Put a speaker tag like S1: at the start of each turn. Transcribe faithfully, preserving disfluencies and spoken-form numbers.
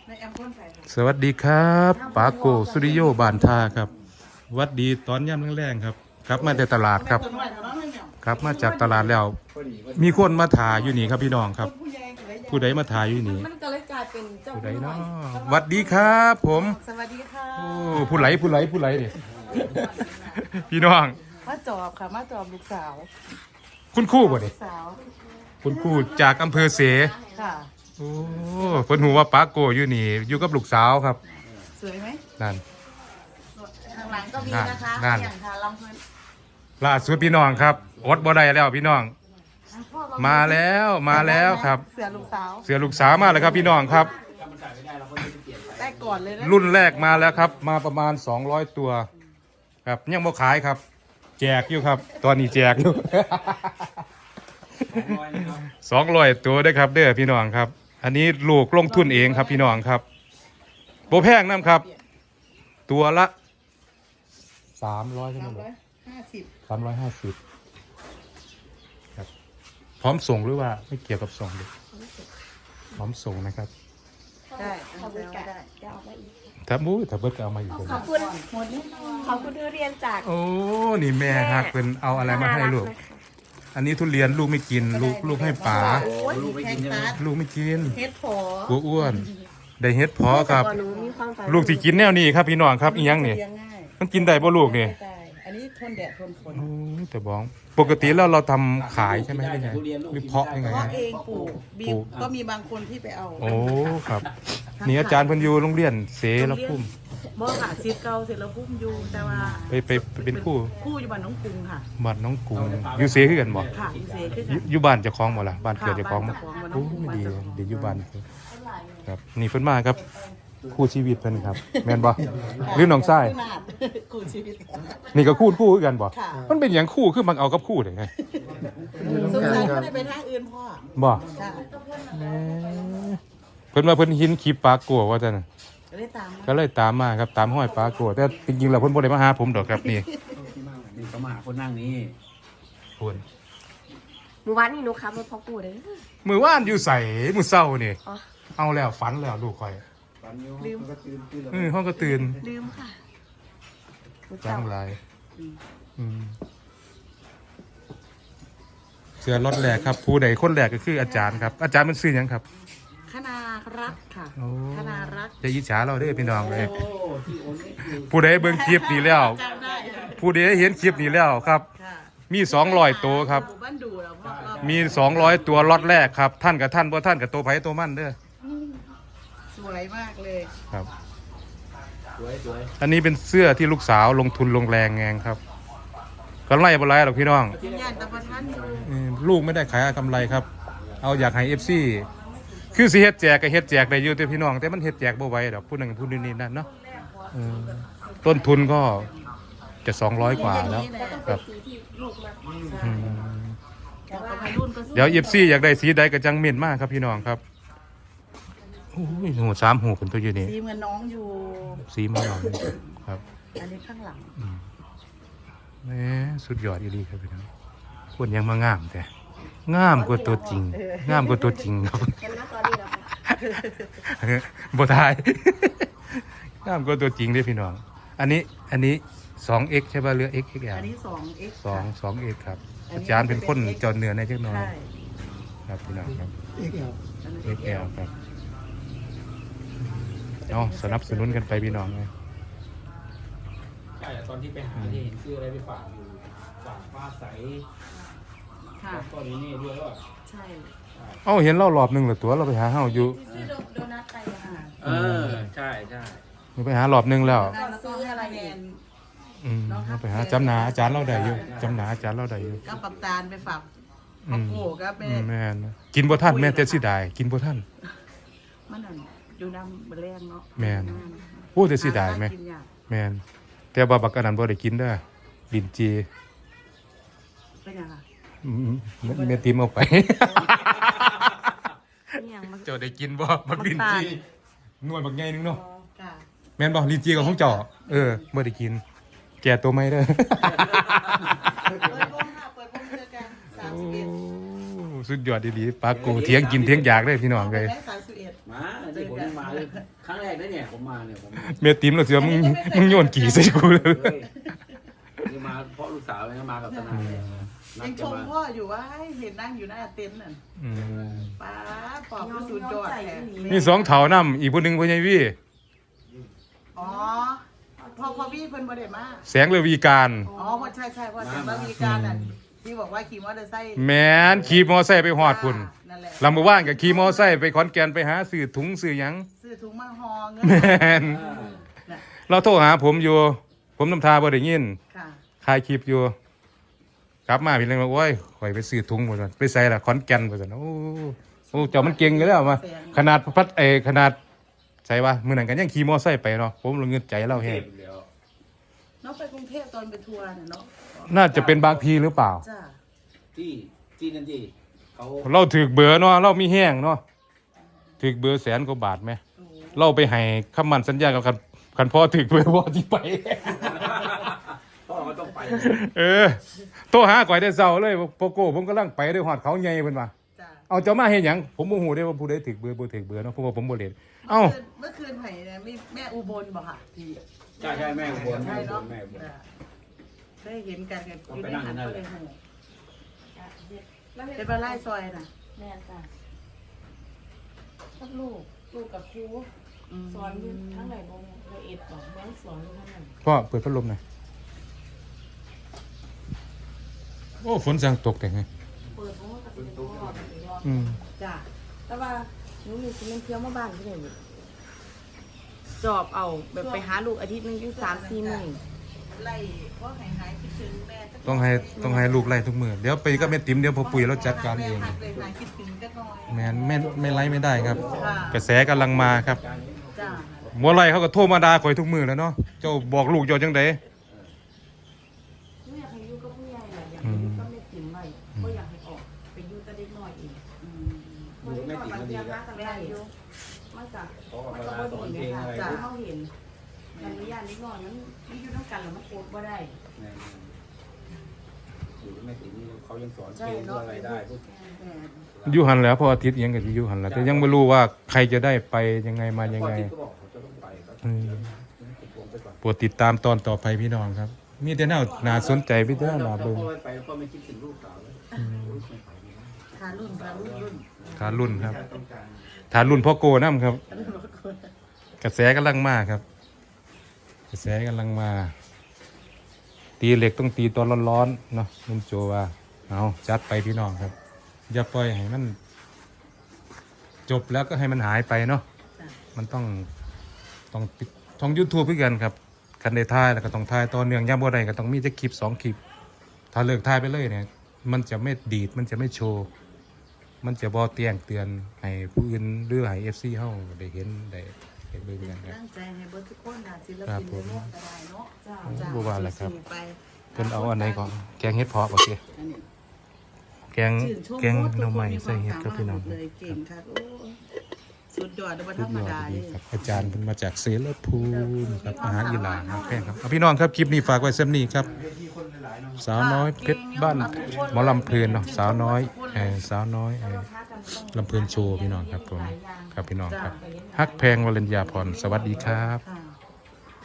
S1: สวัสดีครับปาโกสุริโยบานทาครับวัดดีตอนย่ำแรงๆครับครับมาจากตลาดครับครับมาจากตลาดแล้วมีคนมาถ่ายอยู่นี่ครับพี่น้องครับผู้ใดมาถ่ายอยู่นี่
S2: มันก็เลยกลายเป็นเจ้า
S1: ผู้ใดเนาะวัดดีครับผม
S2: สวัสดีค่ะ
S1: โอ้ผู้ไหลผู้ไหลผู้ไหลเนี่ยพี่น้อง
S2: มาจอบค่ะมาจอบลูกสาว
S1: คุณครู่บ่
S2: ลู
S1: เนี่ย
S2: กสาว
S1: คุณครู่จากอำเภอเส
S2: ค่ะ
S1: โอ้เพิ่นหูว่าปาโกอยู่นี่อยู่กับลูกสาวครับ
S2: สวยไหม
S1: นั่น
S2: ข้างหลังก็มีนะคะ
S1: นั่น
S2: อย่างค่ะลำเพลิน
S1: ล่าสุดพี่น้องครับอดบ่ได้แล้วพี่น้อง มาแล้วมาแล้วครับ
S2: เสือลูกสาว
S1: เสือลูกสาวมาแล้วครับพี่น้องครับ
S2: ได้ก่อนเลยนะ
S1: รุ่นแรกมาแล้วครับ มาประมาณสองร้อยตัว ครับยังบ่ขายครับ แจกอยู่ครับ ตอนนี้แจกอยู่ สองร้อยตัวได้ครับเด้อพี่น้องครับ อันนี้ลูกลงทุนเองครับพี่น้องครับโบแพงน้ำครับ ตัวละสามร้อยใช่ไหม
S2: สาม
S1: ลู
S2: ร้
S1: ก
S2: อยห้าสิบ
S1: สามร้อยห้าสิบครับพร้อมส่งหรือว่าไม่เกี่ยวกับส่งเลยพร้อมส่งนะครับ
S2: ได้เอาไปเอาได้
S3: เดี๋ยวเอาไปอีก
S1: ถ้ามู้ถ้าเบิดก็เอามาอยู่ตรง
S3: ขอ
S1: นี้
S3: บคุณขอบคุณทุเรียนจาก
S1: โอ้นี่แม่ฮักเป็นเอาอะไรมาให้ลูก
S3: น่รันะคะ
S1: อันนี้ทุเรียนลูกไม่กิน ลูกลูกให้ป๋า
S2: โอ้ยแพงตาร์
S1: ลูกไม่กิน
S2: เฮ็ดผอก
S1: ลัวอ้วน ได้เฮ็ดพอครับ
S3: แต่ก่อนหนูมีความฝัน
S1: ลูกที่กินแนวนี้ครับพี่น้องครับอีหยังนี่
S2: เลี้ยงง่าย
S1: มันกินได้บ่ลูกนี่
S2: ได้อันนี้ทนแดดทนฝน
S1: โอ้ยแต่บ้องปกติแล้วเราทำขายใช่ไหมหรือไงหรือเพาะยังไง
S2: เพราะ
S1: ฮะ
S2: เองปลูกบี
S1: ปลู
S2: บ
S1: ก
S2: ก็มีบางคนที่ไปเอา
S1: โอ้ครับนี่อาจารย์เพิ่นอยู่โรงเรียนเสรภูมิ
S2: บ่ค่ะซีเก่าเสร็จแล้วพุ่มอยู่แต่ว่า
S1: ไปไปไปเป็นครู่
S2: คู่อยู่บ้านน้องกรุงค่ะ
S1: บ้านน้องกูอยู่เสคือกันบ่
S2: ค่ะอยู่เสคือ
S1: อยู่
S2: กัน
S1: อยู่บ้านเจ้าของบ่ล่ะบ้านเกิดเจ้าของบ่
S2: ค่ะบ้านเจ้าของ
S1: โอ้ยดีดีอยู่บ้านครับนี่เพิ่นมาครับคู่ชีวิตเพิ่นครับแม่นบ่หรือน้องชาย
S2: นาดคู่ชีวิต
S1: นี่ก็คู่คู่คือกันบ่
S2: ค่ะ
S1: มันเป็นหยังคู่คือมันเอากับคู่ได้ไง
S2: สงสัยไม่ได้ไปทางอื่นพ่อ
S1: บ่
S2: ค่ะ
S1: เพิ่นว่าเพิ่นเห็นคลิปปลากัวว่าซั่นน่ะ
S2: ก็ได้ตามมา
S1: ก็เลยตามมาครับตามห้อยปลากัวแต่จริงๆแล้วเพิ่นบ่ได้มาหาผมดอกครับนี่
S4: นี่ก็มาคนนั่งนี่
S1: เพิ่น
S3: หมู่บ้านนี่หนูขับรถพ่อกูเลย
S1: มื้อวานอยู่ไสมื้อเช้านี่
S3: อ๋อ
S1: เอาแล้วฝันแล้วลูกข่อย
S4: ปันยูมันก็ตื่นตื่นแล้ว
S1: เออห้องก็ตื่น
S3: ลืมค่ะหนู
S1: จั
S3: เจ้าง
S1: ไรอืมเสือรถแรกครับ ผู้ใดคนแรกก็คืออาจารย์ครับ อาจารย์มันซื้อหยังครับ
S2: คณารักค่ะ
S1: โอ้
S2: คณารัก
S1: จะอิจฉาเราเด้อพี่น้องเลย
S4: โอ้ที่โอนนี่คือ
S1: ผู้ใดเบิ่งคลิปนี้แล้ว
S2: จำได้
S1: ผู้ใดเห็นคลิปนี้แล้วครับ
S2: ค่ะ
S1: มีสองร้อยตัวครับ
S2: หมู่บ้านดูแล้วพ่อเรา
S1: มีสองร้อยตัวล็อตแรกครับ ท่านกับท่านบ่ท่านกับตัวไผตัวมันเด้อ
S2: สวยมากเลย
S1: ครับ
S4: สวยสวย
S1: อันนี้เป็นเสื้อที่ลูกสาวลงทุนลงแรงแงงครับกำไรบ่ไรหรอกพี่น้อง
S2: กินย่านตะประทันอยู่
S1: เออลูกไม่ได้ขายกำไรครับ เอาอยากให้ เอฟ ซี คือสิเฮ็ดแจกก็เฮ็ดแจกได้อยู่แต่พี่น้องแต่มันเฮ็ดแจกบ่ไหวดอกผู้นั้นผู้นี้นี่นั่นเนาะเออต้นทุนก็จะสองร้อยกว่าแล้วครับ
S3: สีที่ลูกมา
S1: อืม
S2: บอกกับวัยรุ่นก็สู้
S1: เดี๋ยว เอฟ ซี อยากได้สีใดก็จังเม่นมากครับพี่น้องครับโอ้ยหูสามหูเป็นตัวอยู่นี่
S2: สีเหมือนน้องอยู่
S1: สีมันหน่อยครับ
S2: อันนี้ข้างหลัง
S1: แหมสุดยอดอีหลีครับพี่น้องคนยังมางามแต่งามกว่าตัวจริง งามกว่าตัวจริงครับ
S3: เห็นไหมตอนนี้เหรอคะ
S1: บ่ทาย งามกว่าตัวจริงเด้อพี่น้อง อันนี้อันนี้ สองเอ็กซ์ ใช่ป่ะเรือ เอ็กซ์ เอ็กซ์ แอ
S2: อั
S1: ล
S2: นนี้สองเอ็ก
S1: สองสองเอ็กซ์ครับ
S2: อันนี้
S1: อาจารย์เป็นคนจอดเหนือในเล็กน้อย
S2: ใช่
S1: ครับพี่น้องครับ
S4: เอ็กแอล
S1: เอ็กซ์ แอล ครับเอาสนับสนุนกันไปพี่น้องเลย
S4: ใช่ตอนที่ไปหาที่เห็นชื่ออะไรไปฝากอยู่ฝากฟ้าใส
S2: ค่ะ
S4: ก็นี่นี่ด้วยว่า
S2: ใช่
S1: เอ้าเห็นเรารอบหนึงเหรอตัวเราไปหาเฮาอยู่
S3: ซื้อโดนัทไปอะ
S2: ค่ะ
S4: เออใช่ใช่
S1: เราไปหารอบหนึงแล้ว
S2: แล้วก็ซื้ออะไรแนน
S1: อืมเราไปหาจำหนาอาจารย์เราได้อยู่จำหนาอาจารย์เราได้อยู่
S2: ก็ปับตาลไปฝาก
S1: อื
S2: พ่อ
S1: ม
S2: โก้ก็ไป
S1: อืมแม่นกินบ่ทันแม่นแต่สิได้กินบ่ทัน
S2: มันนั่นอยู่น้ำบะแรงเนาะ
S1: แม่น โอ้แต่สิได้ไหม
S2: กินยาก
S1: แม่นแต่ว่าบักอันนั้นบ่ได้กินเด้อลิ้นจี
S2: เป็นยังไง
S1: อืมแม่ติมเอาไป
S3: เนี่ยมัน
S1: เจ้าได้กินบ่บักลิ้นจีนวลบักใหญ่นึงเนาะ
S2: ค่ะ
S1: แม่นบ่ลิ้นจีของของเจ้าเออบ่ได้กิน แก่ตัวใหม่เด้อ
S2: เปิดวงค่ะเปิดวงเจอกันสามสิบเอ็ด
S1: โอ้สุดยอดดีๆปลากูเถียงกินเถียงอยากได้พี่น้องเลย
S2: ได้สามสิบเอ็ด
S4: มาที่ผมยังมาเลครั้งแรกนะเนี่ยผมมาเนี่ยผม
S1: เมียติ๋มเราเสียมึงมึงโยนกี่ใส่กูเลย
S4: เฮ้ยนี่มาเพราะลูกสาวเลยนะมากับทนายเนี่ยนั
S2: ยั
S4: ด
S2: งช
S4: จะ
S2: ม
S4: มา
S2: พ่ออยู่ว่าเห็นนั่งอยู่หน้าเต็นท์น่ะ
S1: อืม
S2: ป้าปอบก็สุดยอดแท้
S1: มีสองเถานํอีกผู้หนึงพ่อใหญ่วี่
S2: อ๋อพ่อพ่อพี่เพิ่นบ่ได้มา
S1: แสงเลวีการ
S2: อ๋อพ่อใช่ใช่พ่อแสงระวีการน่ะที่บอกว่าขี่มอเตอร์ไซค์
S1: แม่นขี่มอไซค์ไปฮอดพุ่น
S2: นั่นแหละ
S1: ลำบ่ว่างก็ขี่มอไซค์ไปขอนแก่นไปหาซื้อถุงซื้อหยัง
S2: ซื้อถุงมาห่อเงิน
S1: แม่น
S2: น่ะ
S1: เราโทรหาผมอยู่ ผมนำทาบ่ได้ยิน
S2: ค่ะ
S1: ถ่ายคลิปอยู่กลับมาพี่เลยว่าโอ้ยข่อยไปซื้อถุงบ่ซั่นไปใส่ละขอนแก่นบ่ซั่นโอ้โอ้เจ้ามันเก่งอยู่แล้วมาขนาดพัดเอขนาดใส่ว่ามื้อนั้นก็ยังขี่มอไซค์ไปเนาะผมลงเงินใจเราแฮ
S4: เท
S1: ง
S4: พแล้ว
S2: น้องไปกรุงเทพตอนไปทัวร์น่ะเนาะ
S1: น่าจะเป็นบางพีหรือเปล่า
S2: จ้า
S4: ที่ที่นั่นที่เขา
S1: เราถือเบอร์เนาะเรามีแห้งเนาะถือเบอร์แสนกว่าบาทไหม
S2: โอ้
S1: เราไปให้คำมั่นสัญญากับคันคันพ่อถือเบอร์พ่อที่ไป
S4: พ่อเขาต้องไป
S1: เออโทรหาก่อยได้เศร้าเลยโปโก้ผมกำลังไปด้วยหอดเขาใหญ่เพิ่นว่า
S2: จ้า
S1: เอาเจ้ามาเฮ็ดหยังผมบ่ฮู้ได้ว่าผู้ใดถือเบอร์บ่ถือเบอร์เนาะเพราะว่าผมบ่เล่นเอ้า
S2: เมื่อคืนไผ่เนี่ยมีแม่อุบลบ่ค่ะที่
S4: ใช่ใช่แม่อุบล
S2: ใช่
S4: แม่อุบ
S2: เนาะ
S4: ลแม่อุบล
S2: จ้ะได้เห็นกันกัน
S4: ต้อง
S2: อยู่
S4: ไป
S2: ใน
S4: นั่ง
S2: หัน
S4: นั่น
S2: ก็
S4: แห
S2: เล
S4: ละ
S2: ยหู
S3: แล้ว
S2: เป็นปลาไล่ซอยน่ะ
S3: แม่จ้ะกับลูกลูกกับครู
S2: ม
S3: สอนอยู่ทั้งไหนบ่ละเอียดบอกเมืองสอนอยู่ทั้งไหน
S1: พ่อเปิดพัดลมหน่อยโอ้ฝนสั่งตกแต่ไง
S3: เปิดเพราะว่ากับเป็นพ่อเป็นรอบ
S1: อืม
S2: จ้ะ
S3: แต่ว่าหนูมีสิเมนเที่ยวมาบ้านที่ไหนอยู่จอบเอาแบบไปหาลูกอาทิตย์หนึงอยู่สามสี่มื้อ
S2: ไล่เพราะหายหายคิดถึงแม่จัก
S1: ต้องให้ต้องให้ลูกไล่ทุกมื้อเดี๋ยวไปก็แม่ติ๋มเดี๋ยวพอปุ๋ยเราจัดการเอง
S2: แม่หักเลยหายคิดถึงจักหน่อย
S1: แม่นไม่ไม่ไล่ไม่ได้ครับ
S2: ค่ะ
S1: กระแสกำลังมาครับ
S2: จ้ะ
S1: หมัวไล่เขาก็โทรมาด่าข่อยทุกมื้อแล้วเนาะเจ้าบอกลูกเจ้าจังได
S3: หนูอยากให้อยู่กับผู้ใหญ่แหละอยากให้อยู่กับแม่ติ๋มไว้ก็อยากให้ออกไปอยู่กับเด็กน้อยเอง
S2: อืม
S4: อยู่แม่ติ๋มก็ดีแล้ว
S3: แม่อยู่มันจะ
S4: เขาก็
S3: มัน
S4: เว
S3: ก็
S4: ลา
S3: บ่
S4: สอน
S3: ดี
S4: เพลง
S3: นะ
S4: อะไร
S3: คะ
S4: ก็
S3: ที่เขาเห็นมันมีญาติเล็กน้อยมันมันอยู่ด้วยกันแล้วมันโกรธบ่ได้
S4: อยู่แม่ติ๋มนี่เขายังสอนเพลงอะไรได้พวก
S2: แม่
S1: อยู่หันแหล้วพออาทิตย์อิหยังก็สิอยู่หันแหล้วแต่ยังไม่รู้ว่าใครจะได้ไปยังไงมายังไง
S4: พ่อที่ก็บอกเขาจะต้องไปก็
S1: อืม
S4: ผมไปก่อน
S1: โปรดติดตามตอนต่อไปพี่น้องครับ มีแต่แนวน่าสนใจพี่เด้อน่าเบิ่ง
S4: พ่อไปพ่อไม่คิดถึงลูกสาวเลย
S2: ทารุ่นทารุ่นรุ่น
S1: ทานรุ่นครับ
S4: ต้องการ
S1: ทานรุ่นพ่อโกน้ำครับ กระแสกำลังมาครับ กระแสกำลังมา ตีเหล็กต้องตีตอนร้อนๆเนาะนุ่มโจว่าเอาจัดไปพี่น้องครับ อย่าปล่อยให้มัน จบแล้วก็ให้มันหายไปเนาะ
S2: จ้ะ
S1: มันต้องต้องปิดท่องยูทูบเพื่อกันครับคันได้ถ่ายแล้วก็ต้องถ่ายต่อเนื่องย่ำบ่ได้ก็ต้องมีจะคลิปสองคลิป ถ้าเลิกถ่ายไปเลยเนี่ย มันจะไม่ดีดมันจะไม่โชว์ มันจะบอเตียงเตือนให้ผู้อื่นหรือให้เอฟซีเฮาได้เห็นได้ได้เบิ่งกันครับ
S2: ตั้งใจให้เบิร์ทุกคนนะศิล
S1: ครั
S2: ปิ
S1: บ
S2: น
S1: ผม
S2: ในโลกก็ได้เนาะ
S3: จ้า
S2: จ้ะ
S1: บ่ว่าแหละครับ
S2: สู้ๆไป
S1: เพิ่นเอาอันไหนก่อนแกงเห็ดเพาะโอเค
S2: อันนี้
S1: แกง
S2: ชื่นชม
S1: แกง
S2: โคตร
S1: หน่อไม้
S2: ทุก
S1: ใส่เห็ดครับพี่น้อง
S2: มีความสามารถหมดเลยเก่งครับโอ้สุดยอดเลยธ
S1: สุ
S2: ร
S1: ด
S2: รม
S1: ยอด
S2: ดา
S1: ดี
S2: เลย
S1: ครับอาจารย์เป็นมาจากเสรภูมิครับอาหารอีหร่านครับแพงครับเอาพี่น้องครับคลิปนี้ฝากไว้เส้นนี้ครับ สาวน้อยเพชรบ้านหมอลำเพลินเนาะสาวน้อยเออสาวน้อยเออลำเพลินโชว์พี่น้องครับผมครับพี่น้องครับฮักแพงวรัญญาพรสวัสดีครับ
S2: ค่ะ